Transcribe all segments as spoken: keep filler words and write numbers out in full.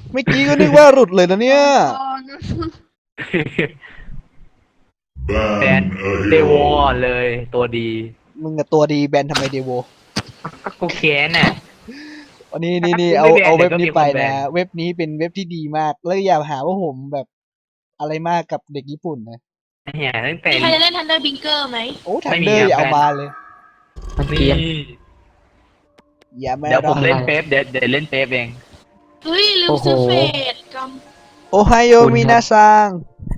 เมื่อกี้ก็นึกว่าหลุดเลยนะเนี่ยแบนเดโวเลยตัวดีมึงกับตัวดีแบนทำไมเดโวก็กูแค้นน่ะวันนี้นี่ถ้านี่กูเอาไม่แบนเอาเว็บนี้ไปเดี๋ยวก็มีคนแบนะนเว็บนี้เป็นเว็บที่ดีมากแล้วอย่าหาว่าผมแบบอะไรมากกับเด็กญี่ปุ่นนะเฮียตั้งแต่มีใครจะเล่นทันเดอร์บิงเกอร์ไหมโอ้ทัไม่นมีเดอร์อย่าครับเอาแบนมาเลยมันนี่เกรียนอย่ามาเดี๋ยวผมรอเล่นเป๊ปเดี๋ยวเดี๋ยวเล่นเป๊ปเองเฮ้ยลืมซื้อเฟดกโอไฮโอมินาซัง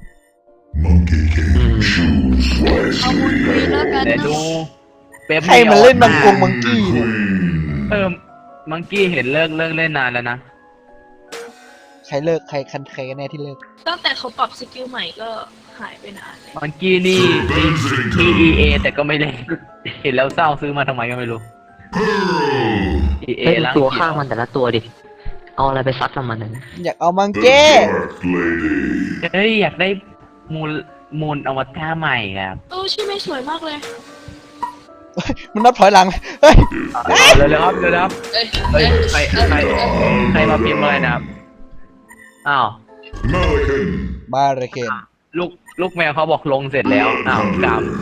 อืมำเอามุนคุยแล้วกันเดี๋ยวนะดูเป๊ปใครมันเล่นมังกงมังกี้เนี่ยเออมังกี้เห็นเลิกเลิกเล่นนานแล้วนะใครเลิกใครคันใครกันแน่ที่เลิกตั้งแต่เขาปรับสกิลใหม่ก็หายไปนานเลยมังกี้นี่มี อี เอ แต่ก็ไม่เล่นเห็นแล้วเศร้าซื้อมาทำไมก็ไม่รู้ อี เอเล่นแล้วตัวข้างมันแต่ละตัวดิ เอาอะไรไปซัดกับมันนะอยากเอามังเก้เฮ้ยอยากได้มูลมูลอวตารใหม่ครับเออชื่อไม่สวยมากเลยมันนับถอยหลังเฮ้ยเร็วๆครับเร็วๆครับเอ้ยเฮ้ยใครใครใครมาพิมพ์อะไรนะครับอ้าวบาร์เคนลูกลูกแมวเขาบอกลงเสร็จแล้วอ้าวกรรม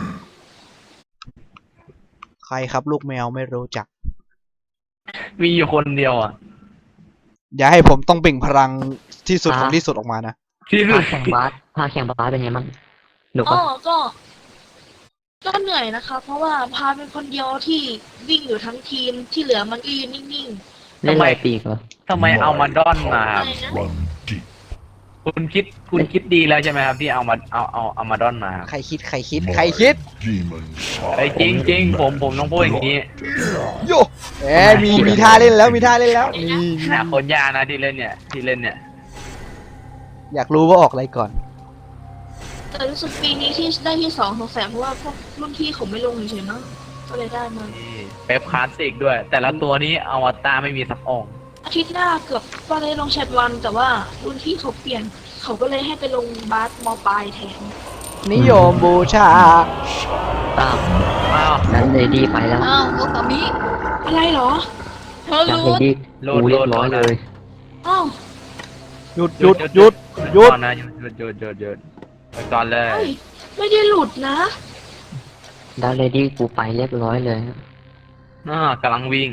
ใครครับลูกแมวไม่รู้จักมีอยู่คนเดียวอ่ะอย่าให้ผมต้องเปล่งพลังที่สุดของที่สุดออกมานะที่สุพาดแข่งบาสพาแข่งบาสเป็นไงบ้างหนุกอ๋อปะก็ ก็เหนื่อยนะคะ เพราะว่าพาเป็นคนเดียวที่วิ่งอยู่ทั้งทีมที่เหลือมันก็ยืนนิ่งเล่นลายปีกเหรอทำไมเอามาดอนมาๆคอะรับไรนะคุณคิดคุณคิดดีแล้วใช่ไหมครับที่เอามาเอาเอาเอามาดอนมาครับใครคิดใครคิดใครคิดไอ้ยจริงจริงผมผมต้องพูดอย่างนี้โยแหมมีมีท่าเล่นแล้วมีท่าเล่นแล้วนี่นะคนยากนะที่เล่นเนี่ยที่เล่นเนี่ยอยากรู้ว่าออกอะไรก่อนแต่รู้สึกปีนี้ที่ได้ที่สองสงสัยเพราะว่าพวกรุ่นพี่เขาไม่ลงเฉยๆมั้งก็เลยได้มานี่เป๊ปคลาสสิกด้วย แต่ละตัวนี้อวตารไม่มีสักองค์อาทิตย์หน้าเกือบว่าได้ลงแชทวัน แต่ว่ารุ่นพี่เขาเปลี่ยน เขาก็เลยให้ไปลงบาสมปลายแทนนิยมบูชาอ้าวอ้าวนั้นเลดี้ไปแล้วอ้าวโอตามิอะไรเหรอเธอจากรู้เลดี้กูเรียบร้อยเลยอ้าวหยุดหยุดหยุดหยุดก่อนนะหยุดหยุดหยุดหยุดหยุดไปก่อนเลยเฮ้ยไม่ได้หลุดนะดาวเลดี้กูไปเรียบร้อยเลยอ่ากำลังวิ่ง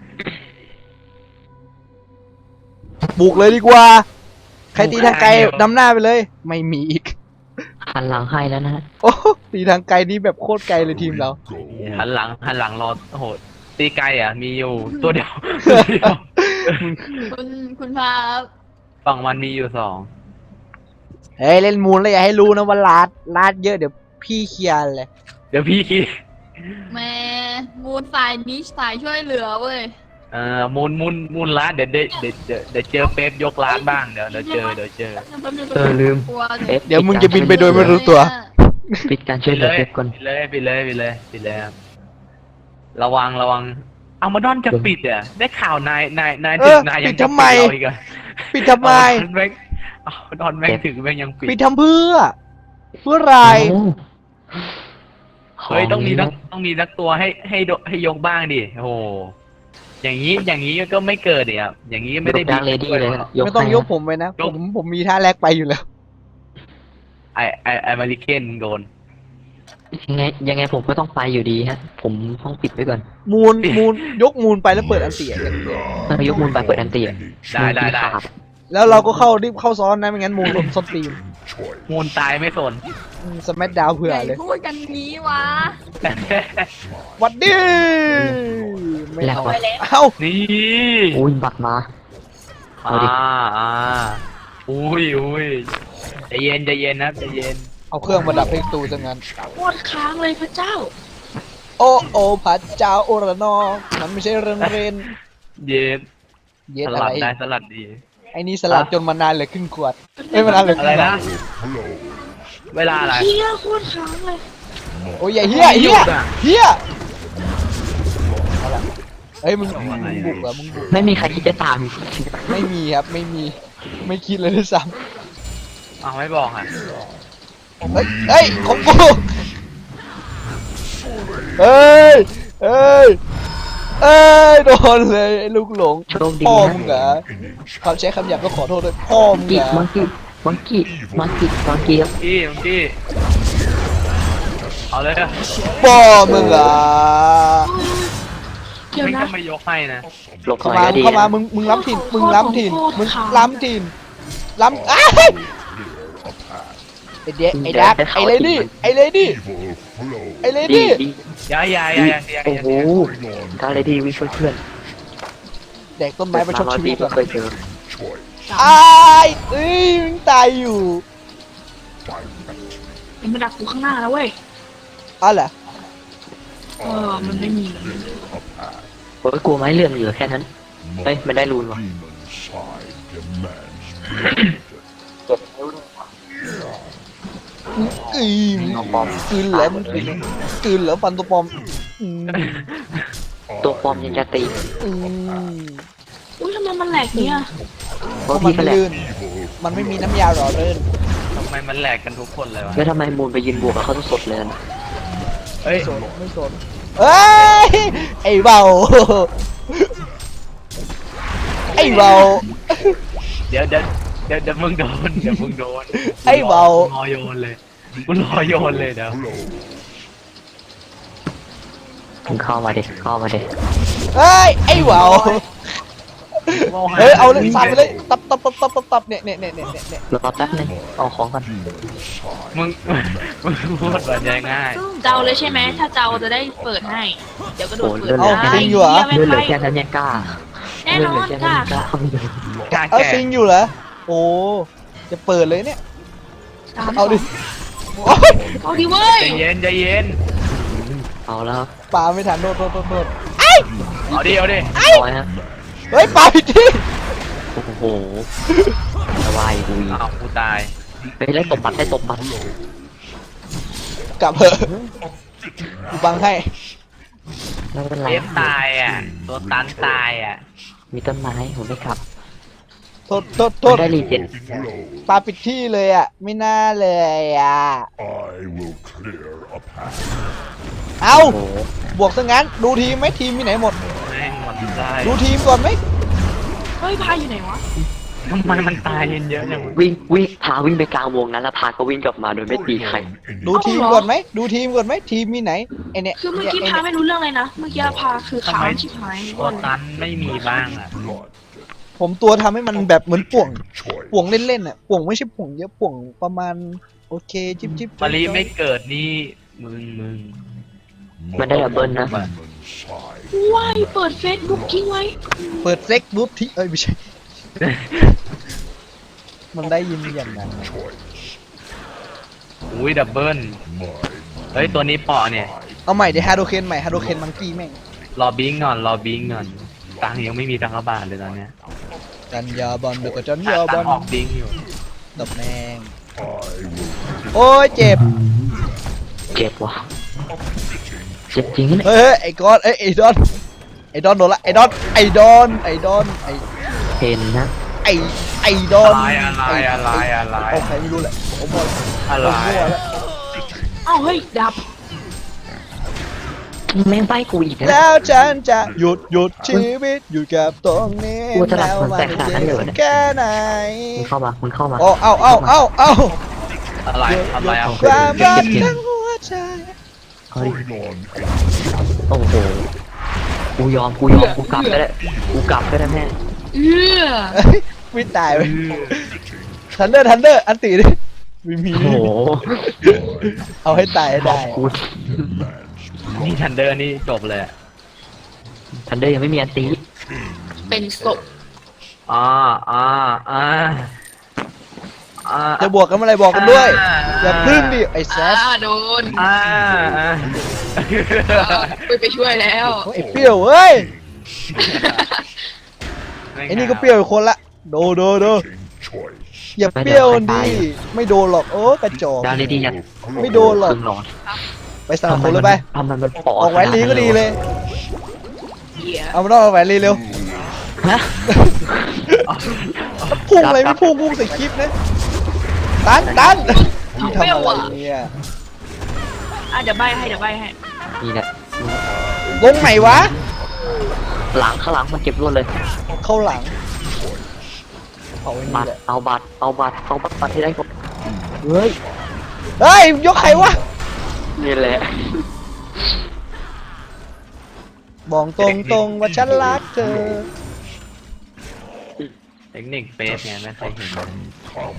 บุกเลยดีกว่า ใครตีทางไกลนำหน้าไปเลย ไม่มีอีกหันหลังให้แล้วนะโอ้ตีทางไกลนี่แบบโคตรไกลเลยทีมเราหันหลังหันหลังรอโอ้โหตีไกลอ่ะมีอยู่ตัวเดียวตัวเดียวคุณคุณพาฝั่งมันมีอยู่สองเฮ้ยเล่นมูลแล้วอย่าให้รู้นะว่าลาดลาดเยอะเดี๋ยวพี่เคลียร์เลยเดี๋ยวพี่คิดแม่มูนสายนี้สายช่วยเหลือเว้ยเอ่อมูลมูลมูลร้านเดี๋ยวเดี๋ยวเดี๋ยวเดี๋ยวเดี๋ยวเจอเป๊ปยกร้านบ้างเดี๋ยวเดี๋ยวเจอเดี๋ยวเจอเออลืมกลัวเอ๊ะเดี๋ยวมึงจะบินไปโดยไม่รู้ตัวปิดการช่วยเหลือเก็บก่อนปิดเลยปิดเลยปิดเลยปิดเลยครับระวังระวังเอามาดอนจะปิดอ่ะได้ข่าวนายนายนายเอถึองนายยัปิงดจะทำไมปิดเราอีกอะปิดทำไมเอาดอนแม่งเอาดอนแม่งถึงแม่งยังปิดปิดทำเพื่อ เพื่ออะไรโอ้เฮ้ยต้องมีนักต้องมีนักตัวให้ให้โดให้ยกบ้างดิโอ้โหอย่างนี้อย่างนี้ก็ไม่เกิดเดี๋ยวอย่างนี้ไม่ได้ดาวเลดี้เลยยกไม่ต้องให้ยกผมไปนะ ผมผมมีท่าแรกไปอยู่แล้วไอไอไอมาริเคนโดนยังไงยังไงผมก็ต้องไปอยู่ดีฮะ ผมห้องปิดไว้ก่อนมูลมูลยกมูลไปแล้วเปิดอันเสียอย่างเดียวเออยกมูลไปเปิดอันเตียได้ได้ได้ขาดแล้วเราก็เข้ารีบเข้าซ้อนนะไม่งั้นมูลโดนส้นตีนมูลตายไม่สนสมัดดาวเผื่อใหญ่เลยพูดกันนี้วะหวัดดีไม่แล้วเอาวะเอ้านี่อุ้ยบัตรมา เอาอ่าดิอ่าอุ้ยอุ้ยใจเย็นใจเย็นนะใจเย็นเอาเครื่องมาดับเพลงตูซะงั้นโคตรค้างเลยพระเจ้าโอ้โอ้พระเจ้าโอระนอมันไม่ใช่เรื่องเรนเย็นเย็ดสอะลัไรดได้สลัดดีไอ้นี่สลัดจนมานานเหลือครึ่งขวดเอ้ยมานานเหลือคอะไรรึ่งหลอนะดเวลาอะไรเฮียโคตรค้างเลยโอ้ยอย่าเฮียเฮียเฮียเอาละเอ้ยมึงมึงบุกเหรอมึงบุกไม่มีใครที่จะตามไม่มีครับไม่มีไม่คิดเลยด้วยซ้อ้าวไม่บอกอ่ะำเฮ้ยเฮ้ยของกูเฮ้ยเฮ้ยเอ้ยโดนเลยไอ้ลูกหลงโชคดีพ่อนะมึงเหรอคำใช้คำหยาบก็ขอโทษด้วยพ่อมึงกี้เหรอมังกี้มังกี้มังกี้มังกี้ครับพี่มังกี้เอาเลยอะพ่อมึงเหรอเดี๋ยวไม่นะก็ไม่ยกให้นะหลบหเข้าน่อยมาก็ดีเข้ามานะมึงมึงล้ำถิ่นมึงล้ำถิ่นโคตรมึงขาวล้ำถิ่นล้ำอ้ายไอ้เด็กไอ้ดักไอ้เลดี้ไอ้เลดี้ไอ้เลดีดี้ดียายายายายาโอ้โหการเลยดีวิ่งช่วยเพื่อนแดกต้นไม้ประชดชีวิตเกิก่อนเคยเจออ้ายเอ้ยมึงตายอยู่มันมาดักกูข้างหน้าแล้วเว้ยอ้าวเหรอเออมันไม่มีโอ้ยกลัวไม้เลื่อนเหลือแค่นั้นเฮ้ยมันได้รูนว่ะอีกลืนเหรอมึงกลืนกลืนเหรอฟันตัวปลอมอืมตัวปลอมยังจะตีอืมอุ้ยทำไมมันแหลกเนี่ยเพเพราะราะมันพี่ก็ไม่แหละลื่นมันไม่มีน้ำยาหล่อลื่นทำไมมันแหลกกันทุกคนเลยวะแล้วทำไมมูลไปยืนบวกกับเขาสดเลยนะเอ้ยไม่สนไม่สนเอ้ยไอ้เบาไอ้เบาเดี๋ยวเดี๋ยวเดี๋ยวเดี๋ยวมึงโดนเดี๋ยวมึงโดนไอ้เบารอโยนเลยกูรอโยนเลยเดี๋ยวมึงเข้ามาดิเข้ามาดิเอ้ยไอ้เบาเฮ้ยเอาเลยสับไปเลยตับตับตับตับตับตับเนี่ยเนี่ยเนี่ยเนี่ยเนี่ยรอแป๊บนึงเอาของก่อนมึงมึงพูดแบบง่ายเจ้าเลยใช่ไหมถ้าเจ้าจะได้เปิดให้ เดี๋ยวก็โดโอ้ดยเปิดเลื่อนเหลือได้แค่นั้นเหี้ยไม่เลื่อนเหลืไปอแค่นั้นยังกล้าแน่เลื่อนนเหลืออน แค่กนั้นล้ายังกล้าๆกล้าเอาแก่ซิงอยู่เหรอโอ้จะเปิดเลยเนี่ยตามเอาดิโอ๊ยเอาดิเว้ยใจเย็นใจเย็นเอาแล้วปาไม่ทันโดดโดดโดดโดดเอาดิเอาดิร้อยฮะเฮ้ยปาผิดที่โอ้โหสบายกูอีกอ้าวกูตายเฮ้ยได้ตบปัดได้ตบปัดกลับเถอะกูบังให้ไม่เป็นไรเอฟตายอ่ะตัวตันตายอ่ะมีต้นไม้ผมไม่ขับโทษโทษโทษได้รีเจ็ตปาผิดที่เลยอ่ะไม่น่าเลยอ่ะ I will clear a path. เอาโอ้โหบวกซะงั้นดูทีมไหมทีมมีไหนหมดแม่งหมดได้ดูทีมก่อนไหมเฮ้ยพายอยู่ไหนวะทำไมมันตายเย็นเยอะจังวะวิ่งวิ่งพาวิ่งไปกลางวงนั้นแล้วพาก็วิ่งกลับมาโดยไม่ตีใครดูทีมก่อนไหมดูทีมก่อนไหมทีมมีไหนไอเนี่ยคือเมื่อกี้ไอ้พาเนี่ยไม่รู้เรื่องเลยนะ เมื่อกี้พาคือขาวชิบหายตัวตันไม่มีบ้างอ่ะ Blood. ผมตัวทำให้มันแบบเหมือนป่วง Choice. ป่วงเล่นๆอ่ะป่วงไม่ใช่ป่วงเยอะป่วงประมาณโอเคจิ๊บจิ๊บมารีไม่เกิดนี่มึงมึงมันได้ดับเบิลนะ Human side. ว้ายเปิดเฟซบุ๊กทิ้งไว้เปิดเซ็กบุ๊บที่เอ้ยไม่ใช่ มันได้ยินอย่างนั้น Choice. อุ้ยดับเบิล My เฮ้ยตัวนี้เปาะเนี่ยเอาใหม่เดี๋ยวฮาโดเคนใหม่ฮาโดเคนมังกี้แม่งรอบิงก่อนรอบิงก่อนตังค์ยังไม่มีตังค์กระบาทเลยตอนเนี้ยจันยาบอลเดี๋ยวก็จันหายาบตัอง ลค์ออกบิงอยู่ตบแมง I will โอ้ยเจ็บเจ็บว่ะเจ็บจริงนะเนี่ยเฮ้ยเฮ้ยไอ้ก้อนเอ้ยไอ้ดอนไอ้ดอนโดนละไอ้ดอนไอ้ดอนไอ้ดอนไอ้เห็นนะไอ้ไอ้ดอนอะไรอะไรอะไรอะไรเอาใครไม่รู้แหละผมบอกอะไรผมมั่วแล้วเอ้าเฮ้ยดับแม่งใบกูอีกนะแล้วฉันจะหยุดหยุดชีวิตอยู่กับตรงนี้กูจะหลับแล้วมันแตกขนาดนั้นเลยเหรอเนี่ยแค่ไหนมึงเข้ามามึงเข้ามาโอ้เอาเอาเอาเอาอะไรอะไรอ่ะความรักทั้งหัวใจเฮ้ย bring on โอ้โหกูยอมกูยอมกูกลับก็ได้กูกลับก็ได้แม่เอื้อเอ้ยไม่ตายไปทันเดอร์ทันเดอร์อันตีดิไม่มีโอ้โหเอาให้ตายให้ได้กูนี่ทันเดอร์นี่จบเลยอะทันเดอร์ยังไม่มีอันตีเป็นศพอ่าอ่าอ่าอ่าจะบวกกันเมื่อไหรบอกกันด้วย อย่าพึ่งดิไอ้แซอ่าสโดนอ่าอ่าไปไปช่วยแล้วไอ้เปรี้ยวเว้ยไอ้นี่ก็เปรี้ยวอีกคนละโดโดโด choice. อย่าเปรี้ยวดิไม่โดนหรอกโอ้กระจอกดาวเลยดีอย่าไม่โดนหรอกครึ่งหลอดไปสนับสนุนเลยไปทำมันมันปอออกแหวนลีก็ดีเลยเหี้ยเอามาต้องเอาแหวนลีเร็วฮะพุ่งอะไรไม่พุ่งพุ่งใส่คลิปนะตันตันที่ทำอะไรเนี่ยอ่ะเดี๋ยวใบให้เดี๋ยวใบให้นี่แหละวงไหนวะหลังข้างหลังมันเก็บรวดเลยเข้าหลังเอาไว้บันี่ตรแหละเอาบัตรเอาบัตรเอาบัตรที่ได้ก่อนเฮ้ยเฮ้ยยกใครวะนี่แหละบอกตรงตรงๆว่าฉันรักเธอเทคนิคเฟสไงไม่เคยเห็น Come,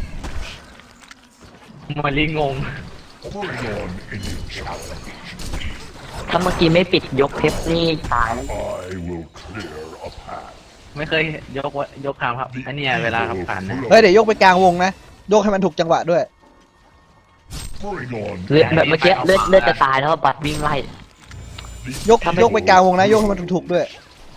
มาลีงง bring on any challenge. ถ้าเมื่อกี้ไม่ปิดยกเพชรนี่ตายแล้ว I will clear a path. ไม่เคยยกว่ายกคำครับอันเนี้ยเวลาขับผ่านนะเฮ้ยเดี๋ยวยกไปกลางวงนะยกให้มันถูกจังหวะด้วย Bring on เลือดแบบเมื่อกี้เลือดเลือดจะตายแล้วบัตรวิ่งไล่ยกยกไปกลางวงนะยกให้มันถูกๆด้วย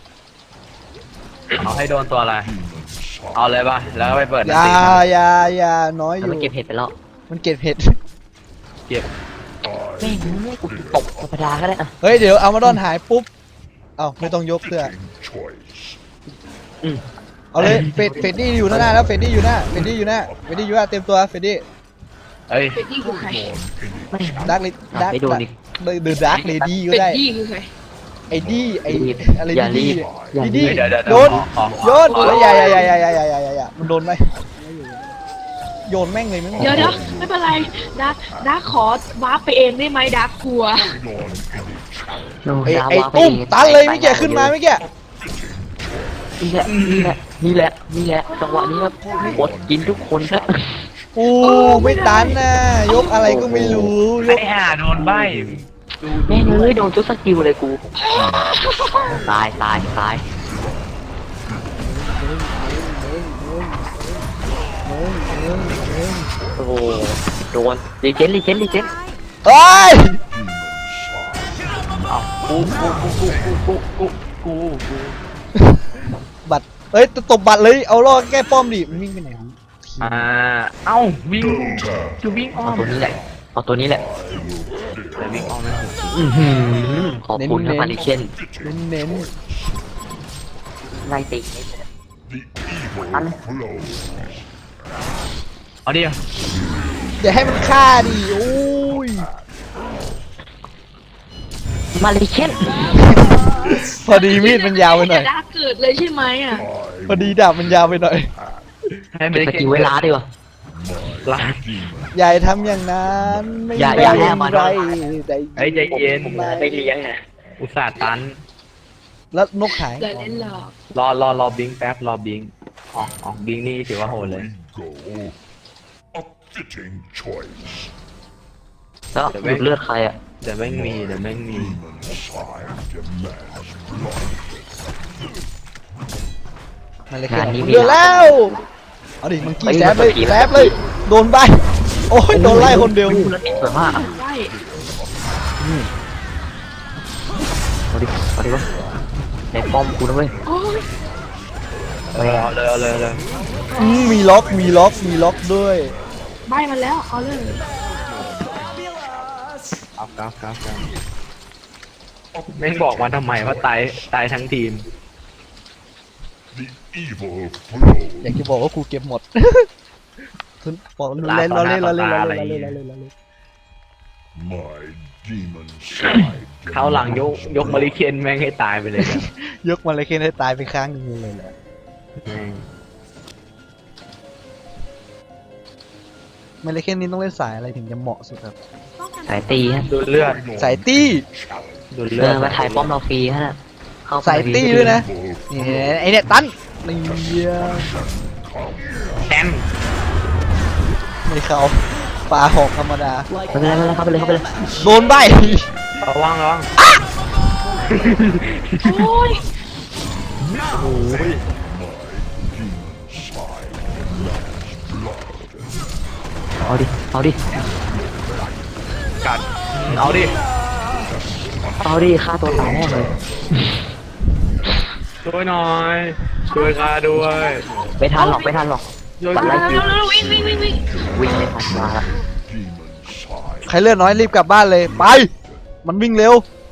เอาให้โดนตัวอะไร demon เอาเลยป่ะแล้วก็ไปเปิดอนาย่าตีอย่าอย่าน้อยอแล้วยู่มันเก็บเห็ดไปแล้วมันเก็บเห็ดเก็บแม่งกูตกธรรมดาก็ได้อะเฮ้ยเดี๋ยวเอามาดอนหายปุ๊บเอ้าไม่ต้องยกเสื้อ Taking choice. เอาเลยเฟดเฟดดี้อยู่หน้าแล้วเฟดดี้อยู่หน้าเฟดดี้อยู่หน้าเฟดดี้อยู่หน้าเต็มตัวเฟดดี้เอ้ยเป็ดดี้คือใคร On any ดักลิดักไม่โดนอีกเดอะดักเลดี้ก็เป็ดได้ดี้คือใครไอ้ดี้ไอ้อะไรอย่ารีดี้บอย่าดี้รีดี้บเดี๋ยวเดี๋ยวโยนขอขอโยนเฮ้ยอย่าอย่าอย่าอย่าอย่าอย่าอย่าอย่ามันโดนไหมโยนแม่งเลยแม่งเดี๋ยวเดี๋ยวไม่เป็นไรดักดักขอวาร์ปไปเองได้ไหมดักกลัว on any challenge. ไอ้ไอ้ตุ้มตันเลยไม่แกขึ้นมาไม่แกนี่แหละนี่แหละนี่แหละนี่แหละจังหวะนี้ครับกดกินทุกคนครับโอ้ไม่ตันนะยกอะไรก็ไม่รู้ยไอ้กห่าโดนใบดูแม่งเลยโดนทุกสกิลเลยกูตายตายตายโอ้โหโดนรีเจนรีเจนรีเจนเฮ้ยเอากูกูกูกูกูกูกูกูบัตรเอ้ยตบบัตรเลยเอาล่อแก้ป้อมดิมันวิ่งไปไหนวะอ่าเอ้าวิ่งจะวิ่งอ้อเอามตัวนี้แหละเอาตัวนี้แหละแต่วิ่งอ้อมไม่ถูกอื้อหือขอบคุณครับมาริเคนเน้นเน้นไล่ตี The evil Ăn. flows. เอาดิๆอย่าให้มันฆ่าดิโอ้ยมาริเคนพอดีมีดมันยาวไปหน่อยดักเกิดเลยใช่ไหมอ่ะ I พอดีดาบมันยาวไปหน่อยให้ไม่เก็บได้สกิลเวลาดีกว่าลา demon อย่าทำอย่างนั้นไม่อย่าได้อย่าให้มันไรนอนเฮ้ยใจเย็นไม่เลี้ยงนะอุตส่าห์ตันแล้วนกหายเดี๋ยวเล่นหลอกรอรอรอบิงแป๊บรอบิงออกออกบิงนี่ถือว่าโหดเลย we go. A fitting choice. แล้วหยุดเลือดใครอ่ะเดี๋ยวแม่งมีเดี๋ยวแม่งมี Demon side demands blood. มันเลยงานนี้มีเดือดแล้วเอาดิมังกี้แซบเลยแซบเลยโดนใบโอ้ยโดนไล่คนเดียวอู้แล้วติดสวยมากอะได้เอาดิเอาดิวะในป้อมกูนะเว้ยโอ้ยเอาเลยเอาเลยเอาเลยอืมมีล็อกมีล็อกมีล็อกด้วยใบมันแล้วเอาเลยเอากราฟกราฟกราฟแม่งบอกมาทำไมว่าตายตายทั้งทีม The evil flows. อยากจะบอกว่ากูเก็บหมดคุณบอกเล่นเราเล่นเราเล่นเราเล่นเราเล่นเราเล่นเราเล่น My demon side เขาวหลังยก demands ยกมาริเคนแม่งให้ตายไปเลยนะยกมันเลยแค่ให้ตายไปข้างหนึงเลยแหละแม่งมันเลยแค่นี้ต้องเล่นสายอะไรถึงจะเหมาะสุดครับสายตีฮะดูเลือดสายตี้ดูเอเลืออดมาถ่ายป้อมเราฟรีฮะเข้าไปสายตี้ด้วยนะ นี่ไอเนี่ยตันนี่เหี้ยแอมไม่เข้าปลาหอกธรรมดาไม่เป็นไรไม่เป็นไรเข้าไปเลยเข้าไปเลยโดนใบระวังระวังโอ้ยเอาดิเอาดิกัดเอาดิเอาดิฆ่าตัวตายแน่เลยช่วยหน่อยช่วยข้าด้วยไม่ทันหรอกไม่ทันหรอกช่วยปัดกูไล่เร็คิววเร็ววิ่งวิ่งวิ่งวิ่งวิ่งไม่ทันมาละ demon side. ใครเลือดน้อยรีบกลับบ้านเลยไป มันวิ่งเร็ว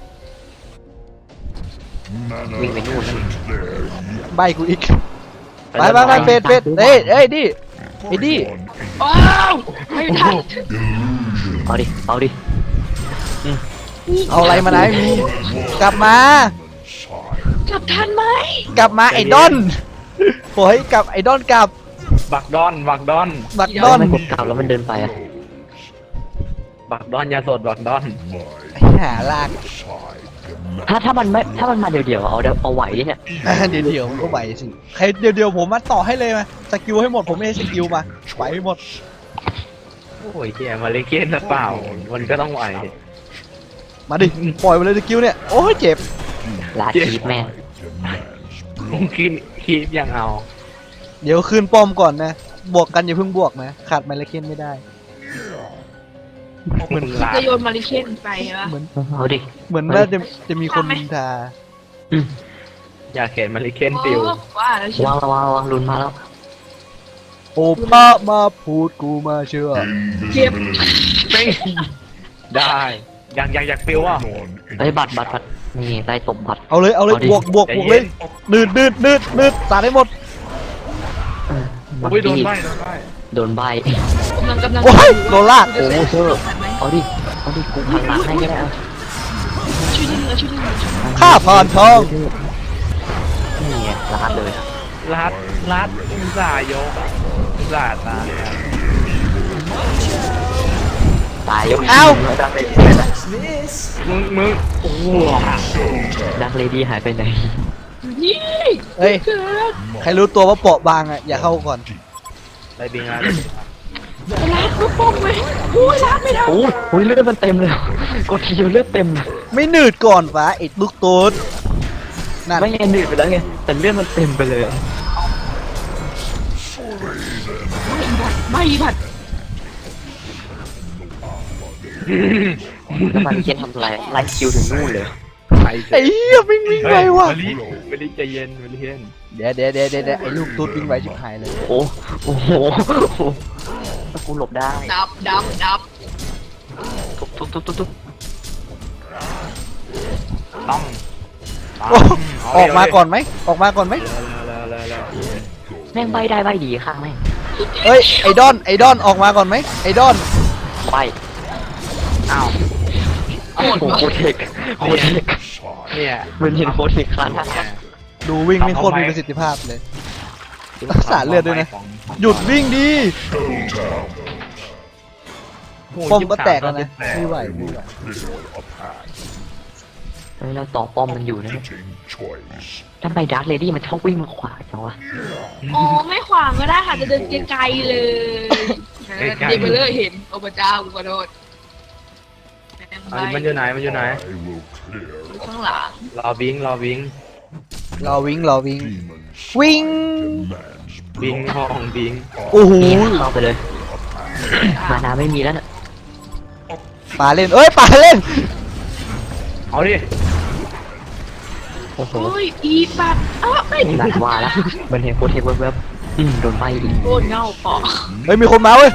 Mana Mình phải nuôi nó. isn't there yet. ใบกูอีกไปไปไปเฟดเฟดเอ้ยเอ้ยดิไอ้ดิ Bring on any ว้าวไม่ทัน illusion. เอาดิเอาดิเอาอะไรมาไหนมีกลับมา Demon side. กลัลับทันไหมกลับมาไอ้ดอนโอ้ยกลับไอ้ดอนกลับบักดอนบักดอนบักดแล้อวน มันกดกลับแล้วมันเดินไปอะบักดอนยาสดบักดอนหาลากถ้าถ้ามันไม่ถ้ามันมาเดี๋ยวเดี๋ยวๆเอาเดี๋ยวเอาไหวเนี่ยเดี๋ยวเดี๋ยวมันก็ไหวสิใครเดี๋ยวเดี๋ยวผมมาต่อให้เลยมาสกิลให้หมดผมไม่ให้สกิลมาไหวให้หมดโอ้ยเฮียมาเลเกนหรือเปล่ามันก็ต้องไหวมาดิปล่อยไปเลยสกิลเนี่ยโอ้ยเจ็บลาคีบแม่งมึงคิดคิดยังเอาเดี๋ยวคืนป้อมก่อนนะบวกกันอย่าเพิ่งบวกนะขาดไมลเคนไม่ได้มึงลาจะโยนมาริเคนไปวะเหมือนเอาดิเหมือนน่าจะจะมีคนนินทาอืมอยากเห็นมาเลเคนปิวโอ้ว่าแล้วเชียววางระวังระวังลุนมาแล้วโอป้ามาพูดกูมาเชื่อเจ็บไม่ได้อยากอยากอยากปิวอ่ะไอ้ยบัตรบัตรบัตรนี่ได้ตบบัตรเอาเลยเอาเลยเอาดิบวกบวกบวกเลยนืดนืดนืดนืดสาดให้หมดเออบัตรอุ้ยโดนที่ใบโดนใบโดนใบกำลังกำลังโอ้ยโดนลากโอ้โหเธอเอาดิเอาดิกูพังหลังให้ก็ได้เอาช่วยดึงแล้วช่วยดึงแล้วช่วยดึงข้าผ่านทองนี่ไงลาดเลยรัดรัดอุตส่าห์ยกอะอุตส่าห์ตายอะตายยกเอ้าดักเลดี้มึงมึงโอ้โหดักเลดี้หายไปไหนนี่เฮ้ยเกิดใครรู้ตัวว่าเปราะบางอ่ะอย่าเข้าก่อนได้บิงอะรัดลูกโป่งไหมโอ้ยรัดไม่ได้โอ้ยโอ้ยเลือดมันเต็มเลยกดทีเดียวเลือดเต็มเลยไม่หนืดก่อนฟ้าไอ้ลูกตูดนั่นไม่ไงหนืดไปแล้วไงแต่เลือดมันเต็มไปเลยไม่บัดแล้วมันเคียนทำอะไรไล่คิวถึงนู่นเลยใครไอ้เหี้ยวิ่งวิ่งไวว่ะมาลิมาลิใจเย็นมาลิเย็นเดี๋ยวเดี๋ยวเดี๋ยวเดี๋ยวไอ้ลูกตูดวิ่งไวชิบหายเลยโอ้โอ้โหถ้ากูหลบได้ดับดับดับทุบทุบทุบทุบทุบต้องโอ้ออกมาก่อนไหมออกมาก่อนไหมแล้วแล้วแล้วแม่งใบได้ใบดีข้างแม่งเอ้ยไอ้ดอนไอ้ดอนออกมาก่อนไหมไอ้ดอนใบอ้าวโอ้โหโคเทคโคเทคเนี่ยมันเห็นโคเทคครั้งนั้นดูวิ่งไม่โคตรมีประสิทธิภาพเลย รักษาเลือดด้วยนะ หยุดวิ่งดีป้อมก็แตกแล้วนะไม่ไหวไม่ไหวเฮ้ยเราต่อป้อมมันอยู่นะ Fitting choice. ทำไมดาร์คเลดี้มันชอบวิ่งมาขวาจังวะอ๋อไม่ขวางก็ได้ค่ะจะเดินไกลๆเลยเดินไปเลยเห็นโอ้พระเจ้ากูขอโทษอันนี้มันอยู่ไหนมันอยู่ไหน I will clear ข้างหลังรอบิงรอบิงรอวิ่งรอวิ่ง demons. วิ่ง Demands บิงห้องบิงโอ้โหนี่เข้าไปเลย มานาไม่มีแล้วน่ะปาเล่นเอ้ยปาเล่นเอาดิโอ้โหโอ้ยอีปัดอ้าวไม่หลังว่าแล้วมันเห็นโคเทคแวบๆอืมโดนใบอีกโคตรเงาปอเฮ้ยมีคนมาเว้ย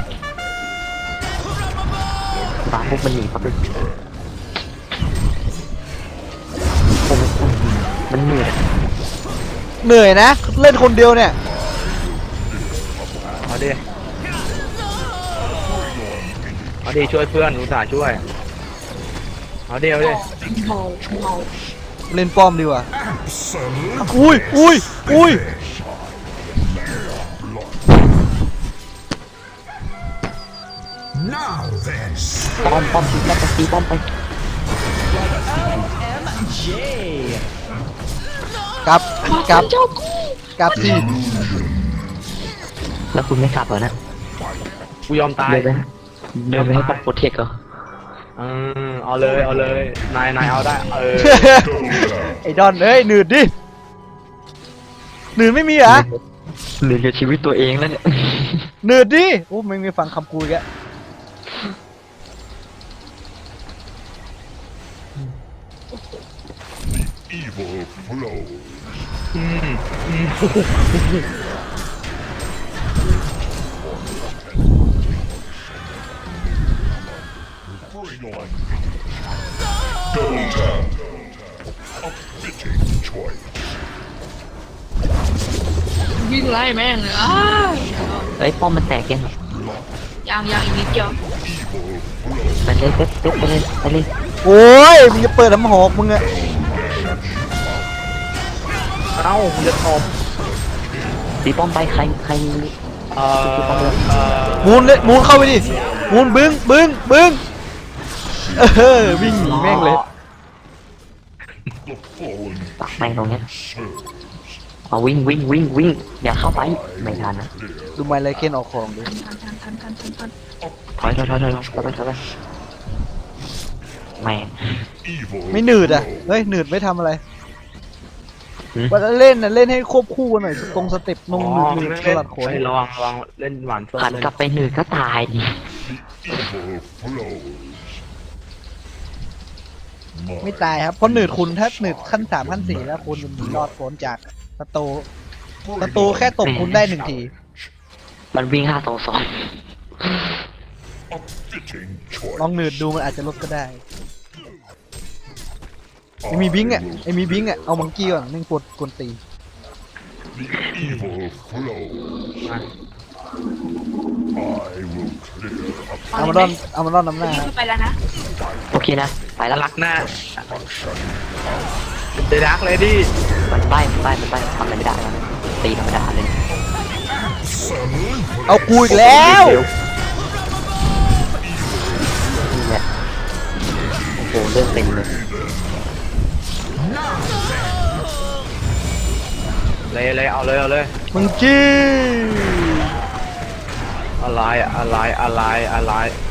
ฟ้าพวกมันหนีปั๊บเลยโอ้โหมันเหนื่อยเหนื่อยนะ เล่นคนเดียวเนี่ยเอาดิเอาดิช่วยเพื่อนอุตส่าห์ช่วยเอาดิเอาดิเมาเมาเล่นป้อมดีกว่าอุ้ยอุ้ยอุ้ย Now then, ป้อมป้อมตีป้อมไปตีป้อมไปกลับกลับเจ้ากูกลับสิแล้วคุณไม่กลับเหรอนะกูยอมตายเดินไปเดินไปให้ป้อมโคเทคเหรอเออเอาเลยเอาเลยนายนายเอาได้เออไอ้ดอนเอ้ยหนืดดิหนืดไม่มีเหรอเหลือกับชีวิตตัวเองแล้วเนี่ยหนืดดิโอ้ไม่ไม่ฟังคำกูอีกอะ evil flows. อืมอืม Bring on Delta. A fitting choice. วิ่งไล่แม่งเลยอ้าวเฮ้ยป้อมมันแตกยังยังยังอีกนิดเดียวไปเลยเซ็ตเซ็ตไปเลยไปเลยโอ้ยมึงจะเปิดน้ำหอกมึงอะเอ้ามึงจะตบตีป้อมไปใครใครเอ่อเอ่อมูนเลยมูนเข้าไปดิมูนบึ้งบึ้งบึ้งเออวิ่งหนีแม่งเลย The fallen ตักแม่งตรงเนี้ย serves. เอาวิ่งวิ่งวิ่งวิ่งอย่าเข้าไปไม่ทันนะดูไมไลเคนออกของดิทันทันทันทันทันทันถอยถอยถอยถอยถอยถอยถอยแม่ง Evil ไม่หนืดอ่ะเฮ้ยหนืดไม่ทำอะไรหืมว่าเล่นน่ะเล่นให้ควบคู่กันหน่อยตรงสเต็ปนงหนืดหนืดสลัดโขนไประวังระวังเล่นหวานส้มหันกลับไปหนึ่งก็ตายดิ evil flows. ไม่ตายครับเพราะหนืดคุณถ้าหนืดขั้นสามขั้นสี่แล้วคุณหนีรอดพ้นจากประตูประตูแค่ตบคุณได้หนึ่งทีมันวิ่งห้าสองสอง A fitting choice. ลองหนืดดูมันอาจจะลดก็ได้ไอมีบิงค์อ่ะไอมีบิงค์อ่ะเอามังกี้ก่อนนึ่งปวดกวนตี The evil flows. I will clear up เอามาดอนเอามาดอนน้ำหน้าวิ่งเข้าไปแล้วนะโอเคนะไปแล้วรักหน้า destruction. เดรักเลยดิมันป้ายมันป้ายมันป้ายทำอะไรไม่ได้แล้วนะตีธรรมดาเลยเอากูอีกแล้วนี่แหละโอ้โหเลือดเต็มเลยเลยเลยเอาเลยเอาเลยมังกี้อะไรอะไรอะไรอะไร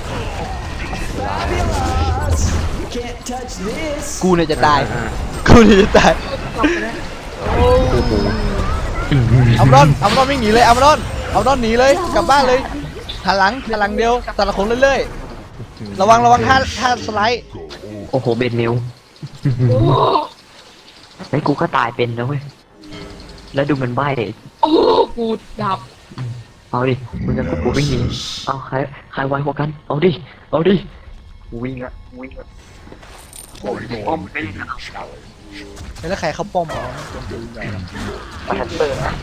กูเนี่ยจะตายอ่ากูเนี่ยจะตายกลับไปแล้วโอ้โหเอามาดอนเอามาดอนวิ่งหนีเลยเอามาดอนเอามาดอนหนีเลยกลับบ้านเลยหันหลังหันหลังเดียวแต่ละคนเรื่อยๆระวังระวังท่าท่าสไลด์โอ้โหเบนนิวโอ้โหไอ้ยกูก็ตายเป็นนะเว้ยแล้วดูมันใบ้โอ้โหกูดับเอาดิมึงจะกูวิ่งหนีเอาใครใครไวกว่ากันเอาดิเอาดิกูวิ่งอะวิ่งอะ Your remaining challenge. แล้วใครเขาป้อมเอามาทันเตอร์นะ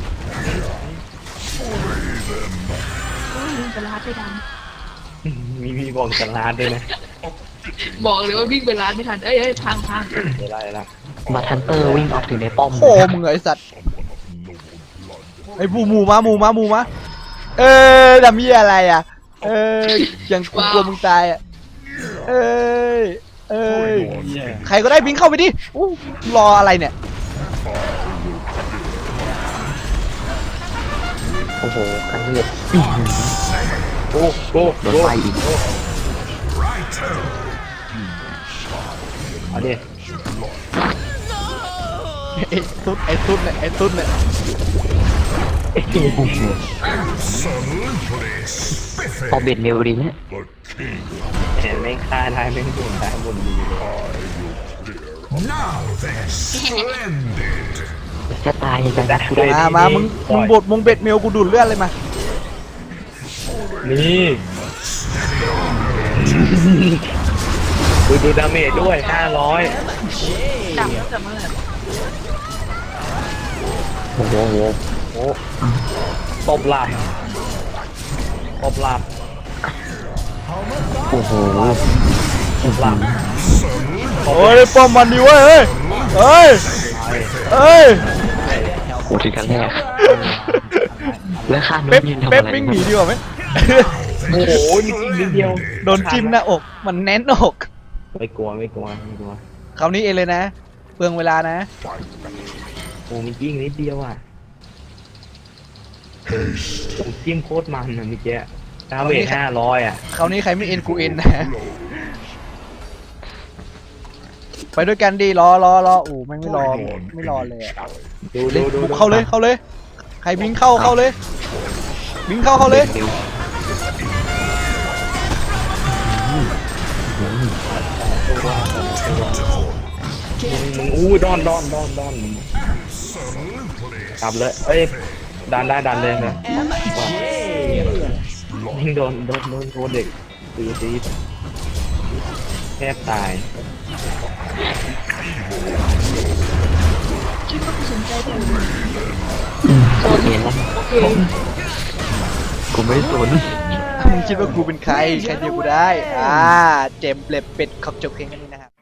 วิ่งไปร้านไม่ทันมีมีบอกสลาดด้วยนะบอกเลยว่าวิ่งไปร้านไม่ทันเอ้ยเอ้ยพังพังเดี๋ยวไล่ละมาทันเตอร์วิ่งออกถึงในป้อมโอ้มึงไอสัตว์ Noble blood. ไอ้บูมูมามูมามูมาเออดำเยี่ยอะไรอ่ะเออยังกูกลัวมึงตายอ่ะเอ้ยเอ้ยใครก็ได้บิงเข้าไปดิอู้รออะไรเนี่ยโอ้โหกันเลือดโอ้โอ้โดนไฟอีกเอาดิไอ้ตุ๊ดไอ้ตุ๊ดเนี่ยไอ้ตุ๊ดเนี่ยเอาเบ็ดเมลดีเนี่ย The king. เห็นไม่ฆ่าได้ไม่โดนได้บนดี Now then, splendid. จะตายยังไงนะกูได้มามามึงมึงบดมึงเบ็ดเมลกูดูดเลือดเลยมานี่ดูดูดาเมจด้วยห้าร้อยดับแล้วแต่เมื่อไหร่โอ้โหโอ้ตบหลับตบหลับโอ้โหตบหลับโอ้ยป้อมมันดีเว้ยเฮ้ยเฮ้ยเฮ้ยโอ้ถึงกันแรกแล้วข้าโน้เป๊ปนยืนทำเป๊ปอะไรวิ่งหนีดีกว่าไหมโอ้โหนิดนิดเดียวโดนจิ้มหน้าอกมันแน่นอกไม่กลัวไม่กลัวไม่กลัวคราวนี้เองเลยนะเปลืองเวลานะโอ้มีจิ้งนิดเดียวอ่ะผมจิ้มโคตรมันนะเมื่อกี้ดาเมจห้าร้อยอ่ะคราวนี้ใครไม่เอ็นกูเอ็นนะไปด้วยกันดีรอรอรออู๋แม่งไม่รอไม่รอเลยอะดูเล่ดูนดูบุกเข้าเลยเข้าเลย ใครบิงเข้าเข้าเลย บิงเข้าเข้าเลยเร็วมึงอู้ดอนดอนดอนดอนกลับเลยเอ้ยดันได้ดันเลยนะยิงโดนโดนโดนโดนเด็กตีตีแทบตายคิดว่ากูสนใจแต่โอเคนะโอเคกูไม่สนมึงคิดว่ากูเป็นใคร ใครเดียวกูได้ อ่า เจมส์เปล็บเป็ดขอบจบเพลงกันนี้นะครับ